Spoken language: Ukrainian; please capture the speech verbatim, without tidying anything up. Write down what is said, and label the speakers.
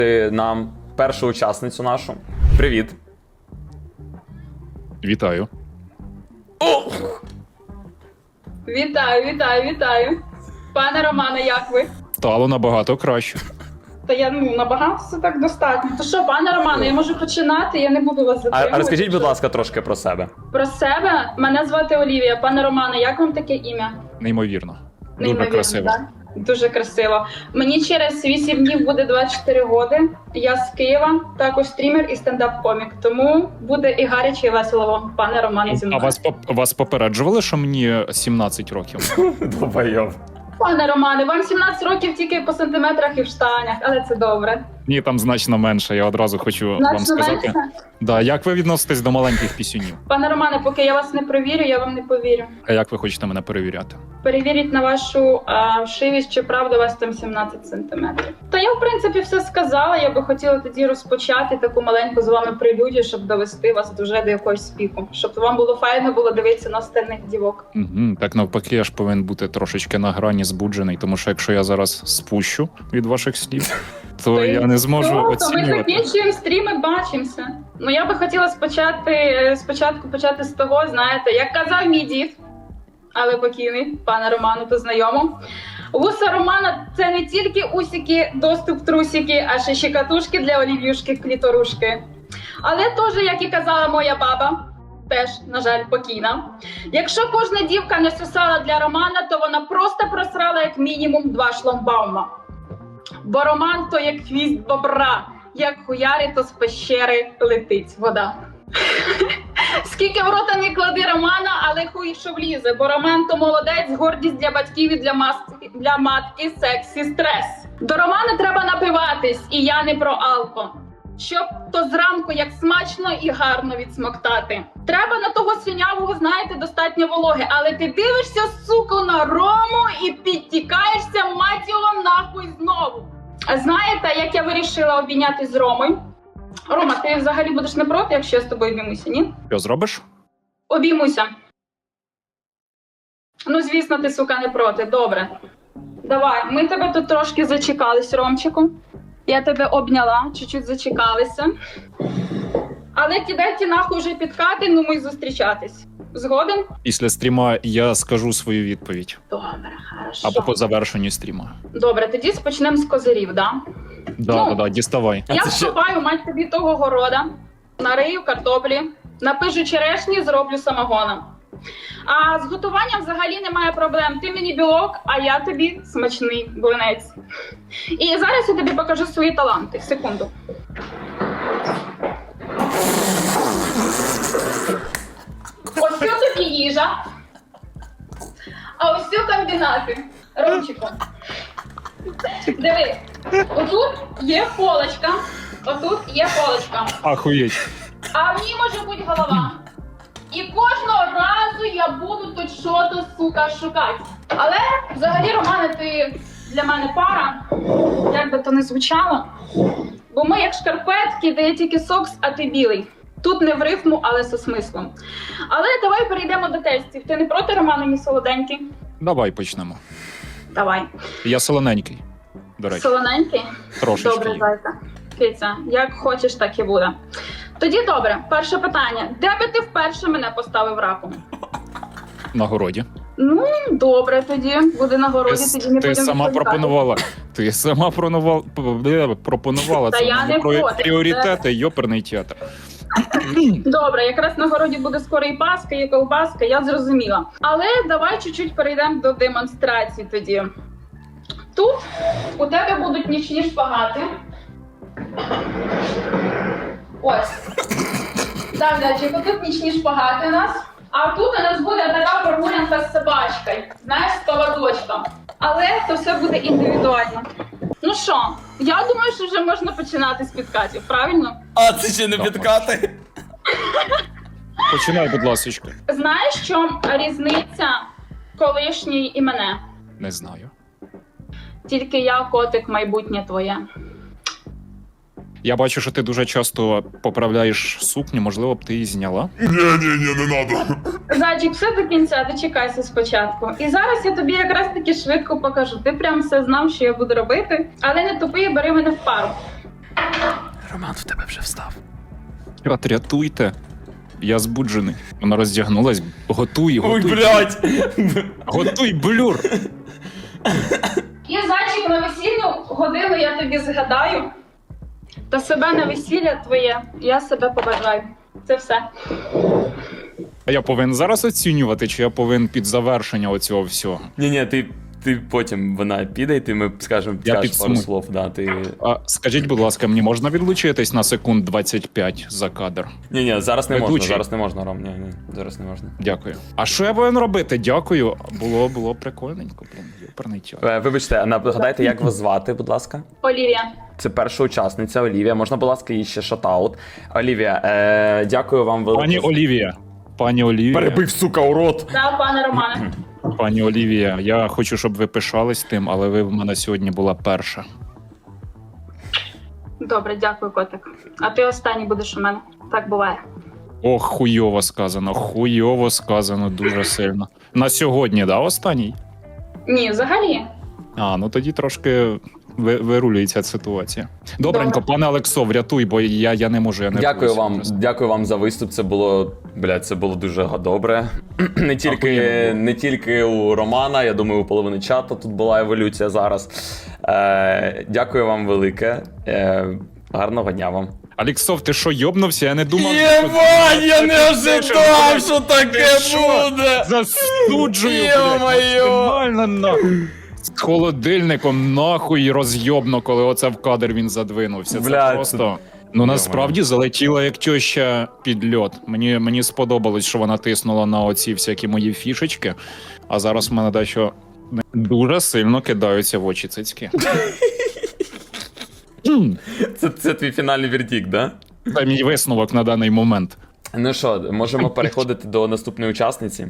Speaker 1: нам першу учасницю нашу. Привіт.
Speaker 2: Вітаю.
Speaker 1: О!
Speaker 3: Вітаю, вітаю, вітаю. Пане Романе, як ви?
Speaker 2: Стало набагато краще.
Speaker 3: Та я ну набагато все так достатньо. То що, пане Романе, я можу починати, я не буду вас
Speaker 1: А,
Speaker 3: затримувати.
Speaker 1: а розкажіть, будь ласка, трошки про себе.
Speaker 3: Про себе? Мене звати Олівія. Пане Романе, як вам таке ім'я?
Speaker 2: Неймовірно. Дуже
Speaker 3: Неймовірно,
Speaker 2: красиво.
Speaker 3: так? Дуже красиво. Мені через вісім днів буде двадцять чотири роки. Я з Києва, також стрімер і стендап-комік. Тому буде і гаряче, і весело вам, пане Романе, зі
Speaker 2: А
Speaker 3: мною.
Speaker 2: вас, поп- вас попереджували, що мені сімнадцять років?
Speaker 1: Долбайов.
Speaker 3: Пане Романе, вам сімнадцять років тільки по сантиметрах і в штанях, але це добре.
Speaker 2: Ні, там значно менше, я одразу хочу вам
Speaker 3: Значно
Speaker 2: сказати.
Speaker 3: менше?
Speaker 2: Да, як ви відноситесь до маленьких пісюнів?
Speaker 3: Пане Романе, поки я вас не провірю, я вам не повірю.
Speaker 2: А як ви хочете мене перевіряти?
Speaker 3: Перевіріть на вашу а, вшивість, чи правда у вас там сімнадцять сантиметрів. Та я, в принципі, все сказала. Я би хотіла тоді розпочати таку маленьку з вами прелюдію, щоб довести вас вже до якогось спіку. Щоб вам було файно було дивитися на остальних дівок.
Speaker 2: Угу, так навпаки, я ж повинен бути трошечки на грані збуджений, тому що якщо я зараз спущу від ваших слів, то
Speaker 3: То
Speaker 2: я
Speaker 3: й
Speaker 2: не зможу
Speaker 3: все, то ми
Speaker 2: оцінювати.
Speaker 3: закінчуємо стрім і бачимося. Ну я би хотіла спочати, спочатку почати з того, знаєте, як казав мій дід, але покійний, пане Роману, то знайомо. Вуса Романа – це не тільки усіки, доступ трусики, а ще щекатушки для олів'юшки, кліторушки. Але теж, як і казала моя баба, теж, на жаль, покійна. Якщо кожна дівка не сосала для Романа, то вона просто просрала як мінімум два шламбаума. Бо Роман то як хвіст бобра, як хуярі, то з пещери летить вода. Скільки в рота не клади Романа, але хуй що влізе, бо Роман то молодець, гордість для батьків і для, маски, для матки, сексі, стрес. До Романа треба напиватись, і я не про алко. Щоб то зранку як смачно і гарно відсмоктати. Треба на того слюнявого, знаєте, достатньо вологи, але ти дивишся, сука, на Рому і підтікаєшся, мать його, нахуй знову. А знаєте, як я вирішила обійнятись з Ромою? Рома, ти взагалі будеш не проти, якщо я з тобою обіймуся, ні?
Speaker 2: Що зробиш?
Speaker 3: Обіймуся. Ну, звісно, ти, сука, не проти. Добре. Давай, ми тебе тут трошки зачекались, Ромчику. Я тебе обняла, чуть-чуть зачекалися. Але кидай ті нахуй вже підкати, ну ми зустрічатись. Згоден?
Speaker 2: Після стріма я скажу свою відповідь.
Speaker 3: Добре, хорошо.
Speaker 2: Або по завершенню стріма.
Speaker 3: Добре, тоді почнемо з козирів, да?
Speaker 2: Да,
Speaker 3: Ну,
Speaker 2: да, да, діставай.
Speaker 1: А
Speaker 3: Я
Speaker 1: це ще-
Speaker 3: вступаю, мать тобі того города, нарию картоплі, напижу черешні, зроблю самогона. А з готуванням взагалі немає проблем. Ти мені білок, а я тобі смачний блинець. І зараз я тобі покажу свої таланти. Секунду. Ось цю тобі їжа, а ось цю комбінати. Ромчику. Диви, отут є полочка, отут є полочка,
Speaker 2: Ахуєть.
Speaker 3: а в ній може бути голова. І кожного разу я буду тут що-то, сука, шукати. Але взагалі, Романе, ти для мене пара, як би то не звучало. Бо ми як шкарпетки, де є тільки сокс, а ти білий. Тут не в рифму, але зі смислом. Але давай перейдемо до тестів. Ти не проти, Романе, мій солоденький?
Speaker 2: Давай почнемо.
Speaker 3: Давай.
Speaker 2: Я солоненький, до речі.
Speaker 3: Солоненький?
Speaker 2: Трошечки.
Speaker 3: Добре, зайка. Киця, як хочеш, так і буде. Тоді добре, перше питання. Де би ти вперше мене поставив раком?
Speaker 2: На городі.
Speaker 3: Ну, добре тоді. Буде на городі,
Speaker 2: Ти,
Speaker 3: тоді не
Speaker 2: ти
Speaker 3: будемо
Speaker 2: сама
Speaker 3: відповідати.
Speaker 2: пропонувала. Ти сама пронувала, п- пропонувала
Speaker 3: Та
Speaker 2: це.
Speaker 3: я
Speaker 2: Мені
Speaker 3: не
Speaker 2: про
Speaker 3: проти.
Speaker 2: пріоритети, йоперний театр.
Speaker 3: Добре, якраз на городі буде скоро і паска, і колбаска, я зрозуміла. Але давай чуть-чуть перейдемо до демонстрації тоді. Тут у тебе будуть нічні шпагати. Ось. Так, Дачик, тут нічні шпагати у нас. А тут у нас буде така прогулянка з собачкою. Знаєш, з поводочком. Але це все буде індивідуально. Ну що, я думаю, що вже можна починати з підкатів, правильно?
Speaker 1: А це ще не підкати?
Speaker 2: Починай, будь ласочка.
Speaker 3: Знаєш, в чому різниця колишньої і мене?
Speaker 2: Не знаю.
Speaker 3: Тільки я, котик, майбутнє твоє.
Speaker 2: Я бачу, що ти дуже часто поправляєш сукню, можливо б ти її зняла.
Speaker 4: Не-не-не, не надо.
Speaker 3: Зайчик, все до кінця, дочекайся спочатку. І зараз я тобі якраз таки швидко покажу. Ти прям все знав, що я буду робити. Але не тупи, бери мене в пару.
Speaker 1: Роман в тебе вже встав.
Speaker 2: Чат, рятуйте. Я збуджений. Вона роздягнулась. Готуй,
Speaker 1: Ой,
Speaker 2: готуй.
Speaker 1: блядь!
Speaker 2: Готуй, блюр.
Speaker 3: І зайчик на весільну годину я тобі згадаю. Та себе на весілля твоє, я себе побажаю. Це все.
Speaker 2: А я повинен зараз оцінювати, чи я повинен під завершення оцього всього?
Speaker 1: Ні-ні, ти, ти потім вона піде, і ти ми скажемо,
Speaker 2: Я
Speaker 1: скажеш пару
Speaker 2: підсумую.
Speaker 1: слов. Да, ти...
Speaker 2: А скажіть, будь ласка, мені можна відлучитись на секунд двадцять п'ять за кадр?
Speaker 1: Ні-ні, зараз не
Speaker 2: Ведучий.
Speaker 1: можна, зараз не можна, Ром, ні-ні, зараз не можна.
Speaker 2: Дякую. А що я повинен робити? Дякую. Було, було прикольненько, блін, юперний тяг.
Speaker 1: Е, Вибачте, а нагадайте, як вас звати, будь ласка?
Speaker 3: Олівія.
Speaker 1: Це перша учасниця Олівія. Можна, будь ласка, їй ще шатаут. Олівія, е, дякую вам велике.
Speaker 2: Пані Олівія. Пані Олівія.
Speaker 1: Перебив, сука, у рот.
Speaker 3: Та, пане Романе.
Speaker 2: Пані Олівія, я хочу, щоб ви пишались тим, але ви в мене сьогодні була перша.
Speaker 3: Добре, дякую, котик. А ти останній будеш у мене. Так буває.
Speaker 2: Ох, хуйово сказано, хуйово сказано дуже сильно. На сьогодні, да, останній?
Speaker 3: Ні, взагалі.
Speaker 2: А, ну тоді трошки ви- вирулюється ситуація. Добренько,
Speaker 3: Добре.
Speaker 2: пане Олексо, врятуй, бо я, я не можу, я не
Speaker 1: Дякую
Speaker 2: врятуюся
Speaker 1: вам,
Speaker 2: просто.
Speaker 1: дякую вам за виступ. Це було, блядь, це було дуже добре. Не тільки,
Speaker 2: Ахуєнно було.
Speaker 1: не тільки у Романа, я думаю, у половини чату тут була еволюція зараз. Е, дякую вам велике. Е, гарного дня вам.
Speaker 2: Олексов, ти що, йобнувся? Я не думав...
Speaker 1: Єбать, я не ожидав, що таке
Speaker 2: Ти що?
Speaker 1: буде!
Speaker 2: Засуджую, блядь,
Speaker 1: Ё-моё!
Speaker 2: максимально нахуй. З холодильником нахуй розйобно, коли оце в кадр він задвинувся. Це
Speaker 1: Блядь,
Speaker 2: просто... Ну насправді залетіла як тьоща під льот. Мені, мені сподобалось, що вона тиснула на оці всякі мої фішечки, а зараз в мене дещо дуже сильно кидаються в очі цицьки. Хм,
Speaker 1: Це, це твій фінальний вердикт, да?
Speaker 2: Це мій висновок на даний момент.
Speaker 1: Ну що, можемо переходити до наступної учасниці.